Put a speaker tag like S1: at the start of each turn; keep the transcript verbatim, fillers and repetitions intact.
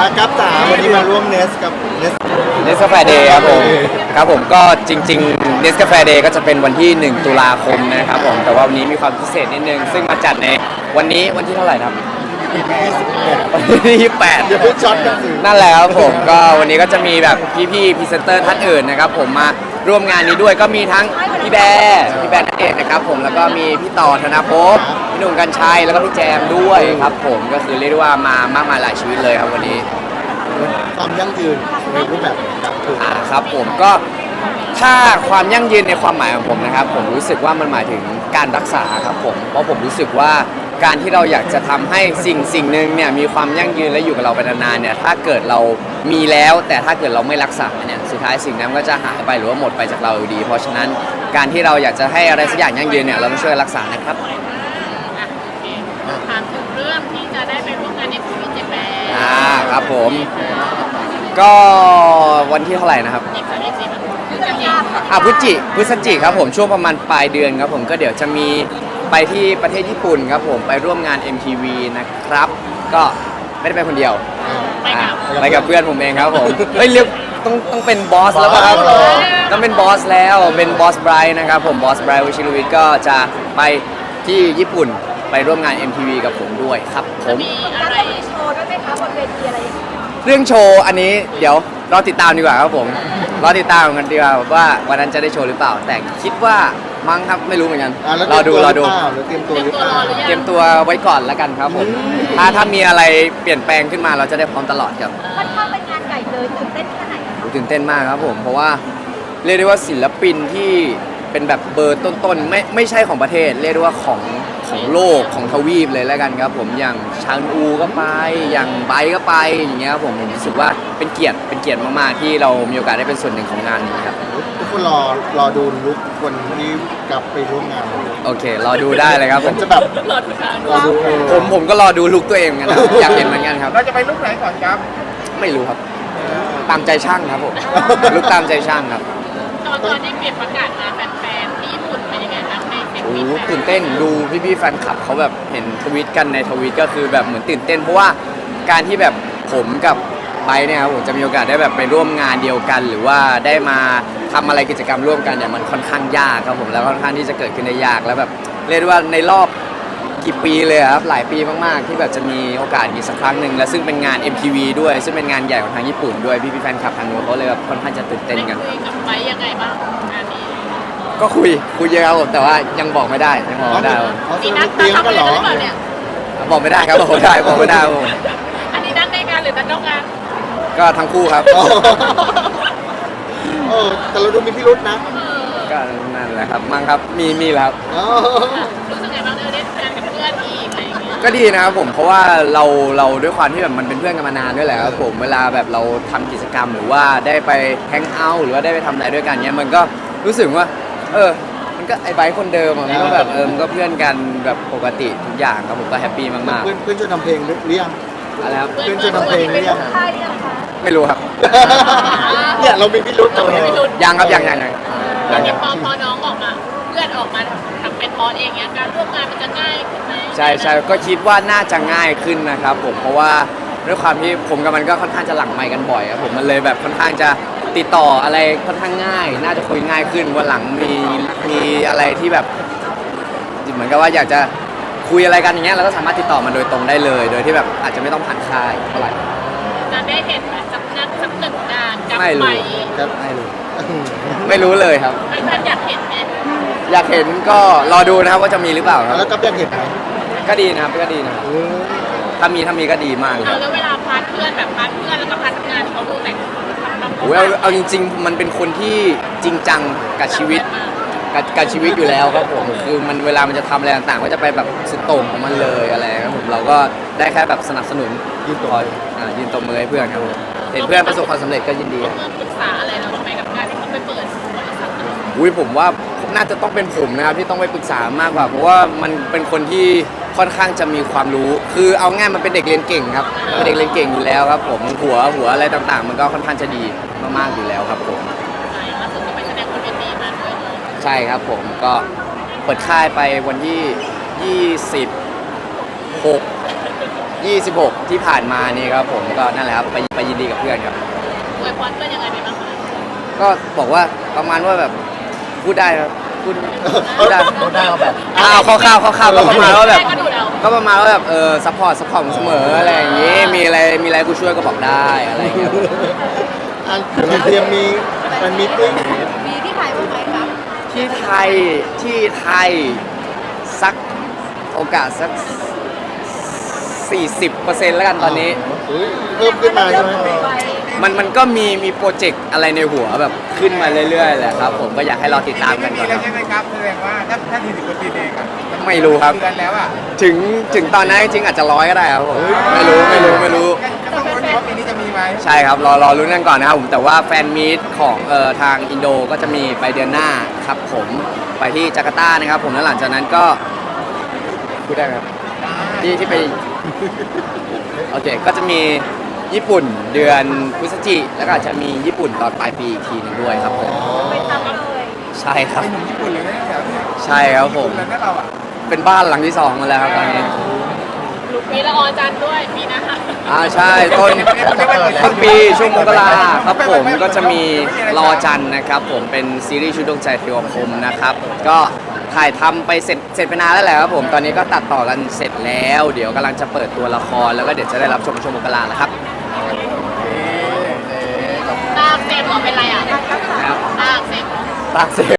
S1: กับจ๋าวันนี้มาร่วมเนสกับเนส
S2: เนสกาแฟเดย์ครับผมครับผมก็จริงๆเนสกาแฟเดย์ก็จะเป็นวันที่หนึ่งตุลาคมนะครับผมแต่ว่าวันนี้มีความพิเศษนิดนึงซึ่งมาจัดในวันนี้วันที่เท่าไหร่ครับวันที่ยี่สิบแปด
S1: อย่าเพิ่งช็อตกันสิ
S2: นั่นแหละครับผมก็วันนี้ก็จะมีแบบพี่ๆพรีเซนเตอร์ท่านอื่นนะครับผมมาร่วมงานนี้ด้วยก็มีทั้งพี่แบร์พี่แบร์นั่นเองนะครับผมแล้วก็มีพี่ต่อธนาภพพี่หนุ่มกัญชัยแล้วก็พี่แจมด้วยครับผมก็คือเรียกได้ว่ามามากมายหลายชีวิตเลยครับวันนี้
S1: ความยั่งยืนในรูปแบบกับคือ
S2: อ่าครับผมก็ถ้าความยั่งยืนในความหมายของผมนะครับผมรู้สึกว่ามันหมายถึงการรักษาครับผมเพราะผมรู้สึกว่าการที่เราอยากจะทำให้สิ่งสิ่งหนึ่งเนี่ยมีความยั่งยืนและอยู่กับเราไปนานๆเนี่ยถ้าเกิดเรามีแล้วแต่ถ้าเกิดเราไม่รักษาเนี่ยสุดท้ายสิ่งนั้นก็จะหายไปหรือว่าหมดไปจากเราอยู่ดีเพราะฉะนั้นการที่เราอยากจะให้อะไรสักอย่างยั่งยืนเนี่ยเราต้องช่วยรักษานะครับ
S3: ถามถึงเรื่องที่จะได้ไปร่วมงานในภูมิเจแปน
S2: อ่าครับผมก็วันที่เท่าไหร่นะครับอ่าพฤศจิพฤศจิครับผมช่วงประมาณปลายเดือนครับผมก็เดี๋ยวจะมีไปที่ประเทศญี่ปุ่นครับผมไปร่วมงาน เอ็ม ที วี นะครับก็ไม่ได้ไปคนเดียวไปกับเพื่อนผมเองครับผมเฮ้ยเรียกต้องต้องเป็นบอสแล้วครับต้องเป็นบอสแล้วเป็นบอสไบรท์นะครับผมบอสไบรท์วชิรวิทย์ก็จะไปที่ญี่ปุ่นไปร่วมงาน เอ็ม ที วี กับผมด้วยครับผม
S3: มีอะไรโชว์ด้วยไหมคะบนเวทีอะไร
S2: เรื่องโชว์อันนี้เดี๋ยวรอติดตามดีกว่าครับผมรอติดตามกันดีกว่าว่าวันนั้นจะได้โชว์หรือเปล่าแต่คิดว่ามั้งครับไม่รู้เหมือนกันรอดูรอดู
S1: เตรียมตัวหรือเปล่า
S2: เตรียมตัวไว้ก่อนแล้วกันครับผมถ้าถ้ามีอะไรเปลี่ยนแปลงขึ้นมาเราจะได้พร้อมตลอดครับ
S3: ค่อนข้างเป็นงานใหญ่เลยตื่นเต้นแค่ไหน
S2: ตื่นเต้นมากครับผมเพราะว่าเรียกได้ว่าศิลปินที่เป็นแบบเบอร์ต้นๆไม่ไม่ใช่ของประเทศเรียกได้ว่าของของโลกของทวีปเลยแล้วกันครับผมอย่างชางอูก็ไปอย่างไบก็ไปอย่างเงี้ยครับผมผมรู้สึกว่าเป็นเกียรติเป็นเกียรติมากๆที่เรามีโอกาสได้เป็นส่วนหนึ่งของงานนี้ครับ
S1: ทุกคนรอรอดูลุคคนที่กลับไปร่วมงาน
S2: โอเครอดูได้เลยครับผม
S1: จะแบบรอดู
S2: ผมผมก็รอดูลุคตัวเองกันนะอยากเห็นเหมือนกันครับ
S1: เราจะไปลุคไหนก่อนครับ
S2: ไม่รู้ครับตามใจช่างครับผมลุคตามใจช่างครับ
S3: ตอนตอนที่เปลี่ยนประกาศมาแฟนๆที่ญี่ปุ่นเป็นยังไงบ้างในเฟซบุ๊ก
S2: โอ้ตื่นเต้นดูพี่ๆแฟนคลับเขาแบบเห็นทวีตกันในทวีตก็คือแบบเหมือนตื่นเต้นเพราะว่าการที่แบบผมกับไบเนี่ยครับผมจะมีโอกาสได้แบบไปร่วมงานเดียวกันหรือว่าได้มาทำอะไรกิจกรรมร่วมกันเนี่ยมันค่อนข้างยากครับผมแล้วค่อนข้างที่จะเกิดขึ้นได้ยากแล้วแบบเรียกว่าในรอบกี่ปีเลยครับหลายปีมากๆที่แบบจะมีโอกาสอีกสักครั้งหนึ่งและซึ่งเป็นงาน เอ็ม ที วี ด้วยซึ่งเป็นงานใหญ่ของทางญี่ปุ่นด้วยพี่ๆแฟนคลับทางนู้นเขาเลยแบบค่อนข้างจะตื่นเต้นกัน
S3: คุยกับไบยังไงบ้างงานนี้
S2: ก็คุยคุยเยอะครับผมแต่ว่ายังบอกไม่ได้ยังบอกไม่ได้
S3: มีนัดเตรียมกันหรอเนี่ย
S2: บอกไม่ได้ครับบอกไม่ได้บอกไม่ได้
S3: อันนี้นัดในงานหรือนัดนอกงาน
S2: ก็ทั้งคู่ครับ
S1: เออแต่เราดูมีพิรุธนะ
S2: ก็นั่นแหละครับมั้งครับมีมีแล้ว
S3: รู้สึกไงบ้างเออได้ทำงานกับเพื่อนอีกอะไรอย่างเงี้ย
S2: ก็ดีนะครับผมเพราะว่าเราเราด้วยความที่แบบมันเป็นเพื่อนกันมานานด้วยแหละครับผมเวลาแบบเราทำกิจกรรมหรือว่าได้ไปแฮงเอาท์หรือว่าได้ไปทำอะไรด้วยกันเนี้ยมันก็รู้สึกว่าเออมันก็ไอ้ไบค์คนเดิมมันก็แบบเออมันก็เพื่อนกันแบบปกติทุกอย่างครับผมก็แฮปปี้มาก
S1: ๆเพื่อนเพื่อนจะทำเพลงหรือยัง
S2: อะไรครับ
S1: เพื่อนจะทำเพลงหรือยัง
S2: ไม่รู้ครับ
S1: เนี่ยเรามีพิรุธตัว
S2: ยังครับยังยังยัง
S3: ตอนนี้พอพอน้องออกมาเพื่อนออกมาทำเป็นบอสเองเนี้ยการร่วมงานมันจะง่ายขึ้นไหม
S2: ใช่ใช่ก็คิดว่าน่าจะง่ายขึ้นนะครับผมเพราะว่าด้วยความที่ผมกับมันก็ค่อนข้างจะหลังไมค์กันบ่อยครับผมมันเลยแบบค่อนข้างจะติดต่ออะไรค่อนข้างง่ายน่าจะคุยง่ายขึ้นวันหลังมีมีอะไรที่แบบเหมือนกับว่าอยากจะคุยอะไรกันอย่างเงี้ยเราก็สามารถติดต่อมาโดยตรงได้เลยโดยที่แบบอาจจะไม่ต้องผ่านค่ายเท่าไหร่
S3: จะได้เห็นสักนัดสักหนึ่งงานกับ
S2: ไม่รู้
S1: ครับไม่รู้
S2: ไม่รู้เลยครับ
S3: ไม่ท่านอยากเห็นไหม
S2: อยากเห็นก็รอดูนะครับว่าจะมีหรือเปล่าครับ
S1: แล้วก็อยากเห็นไหม
S2: ก็ดีนะครับก็ดีนะถ้ามีถ้ามีก็ดีมากเลย
S3: แล้วเวลาพาร์ทเพื่อนแบบพาร์ทเพื่อนแล้วก็พาร์ทงานเขาดูแต่ง
S2: โอ้เอาเอาจริงๆมันเป็นคนที่จริงจังกับชีวิตกับกับชีวิตอยู่แล้วครับผมคือมันเวลามันจะทำอะไรต่างๆก็จะไปแบบสุดโต่งของมันเลยอะไรครับผมเราก็ได้แค่แบบสนับสนุน
S1: ยืนต
S2: บอ่ายืนตบมือให้เพื่อนครับผมเห็นเพื่อนประสบความสำเร็จก็ยินดี
S3: ปรึกษาอะไรเราทำไมกับการที่เขาไปเปิดบริษัท
S2: อุ้ยผมว่าน่าจะต้องเป็นผมนะครับที่ต้องไปปรึกษามากกว่าเพราะว่ามันเป็นคนที่ค่อนข้างจะมีความรู้คือเอาง่ายมันเป็นเด็กเรียนเก่งครับเป็นเด็กเรียนเก่งอยู่แล้วครับผมหัวหัวอะไรต่างๆมันก็ค่อนข้างจะดีมากๆอยู่แล้วครับผม
S3: ล่าสุดก็ไปแสดงบนเวทีมาด้วย
S2: ใช่ครับผมก็เปิดค่ายไปวันที่ยี่สิบหกยี่สิบหกที่ผ่านมานี่ครับผมก็นั่นแหละครับไปไปยินดีกับเพื่อนครับ
S3: อวยพรเพื่อนยังไงไปบ้างคะ
S2: ก็บอกว่าประมาณว่าแบบพูดได้ครับพูดพูดได้
S1: พูดได้ว่าแบบ
S2: อ้าวข้าวๆข้าวๆก็ประมาณว่าแบบ
S3: ก็ดูแล้ว
S2: ก็ประมาณว่าแบบเออซัพพอร์ตซัพพอร์ตเสมออะไรอย่างงี้มีอะไรมีอะไรกูช่วยก็บอกได้อะไรอย่างเงี้ย
S1: อันเราเตรียมมีมันมีติ้ง
S3: มีที่ถ่ายบ้างไหมครับ
S2: ที่ไทยที่ไทยสักโอกาสสัก สี่สิบเปอร์เซ็นต์ แล้วกันตอนนี้
S1: เฮ้ยเพิ่มขึ้นมาใช่ไหม
S2: มันมันก็มีมีโปรเจกต์อะไรในหัวแบบขึ้นมาเรื่อยๆแหละครับผมก็อยากให้รอติดตามกัน
S4: ไม่
S2: ก่
S4: มี
S2: อนคว รับ
S4: แล้ใช่ไหมครับแสดงว่าถ้าถ้าทีสิบเปอร์เซ็นต์เองอะ
S2: ไม่รู้ครับ
S4: เดือนแล้วอ่ะ
S2: ถึงถึงตอนนั้นจริงๆอาจจะร้อยก็ได้ครับผมไม่รู้ไม่รู้ไม่รู้
S4: ก็ต้องรู้นว่าปีนี้จะมีไหม
S2: ใช่ครับรอรอรุ้นกันก่อนนะครับผมแต่ว่าแฟนมีตของเอ่อทางอินโดก็จะมีไปเดือนหน้าครับผมไปที่จาการ์ตานะครับผมแล้วหลังจากนั้นก็พูดได้ไหมครับที่ที่ไปโอเคก็จะมีญี่ปุ่นเดือนพฤศจิแล้วก็อาจจะมีญี่ปุ่นตอนปลายปีอีกทีหนึงด้วยครับผม
S3: ไปทำเลย
S2: ใช่ครับ
S4: ไปหนุ่มญี่ปุ่นเลยนะแถวเนี้ย
S2: ใช่ครับผม
S4: ญี่ปุ่นแล้วนะเราอ่ะ
S2: เป็นบ้านหลังที่สองมาแล้วครับตอนนี้
S3: มีละออจันทร์ด้วยมีนะคะ
S2: อ่าใช่ต้นต้นปีช่วงมกราครับผมก็จะมีรอจันทร์นะครับผมเป็นซีรีส์ชุดดวงใจเทวคมนะครับก็ถ่ายทำไปเสร็จเสร็จไปนานแล้วแหละครับผมตอนนี้ก็ตัดต่อกันเสร็จแล้ว เดี๋ยวกำลังจะเปิดตัวละครแล้วก็เดี๋ยวจะได้รับชมช่วงมกราแล้วครับ
S3: ตาอักเสบเหรอเป็นไรอ่ะ
S2: ครับ
S3: ตาอักเสบเหรอ
S2: ตากเสพ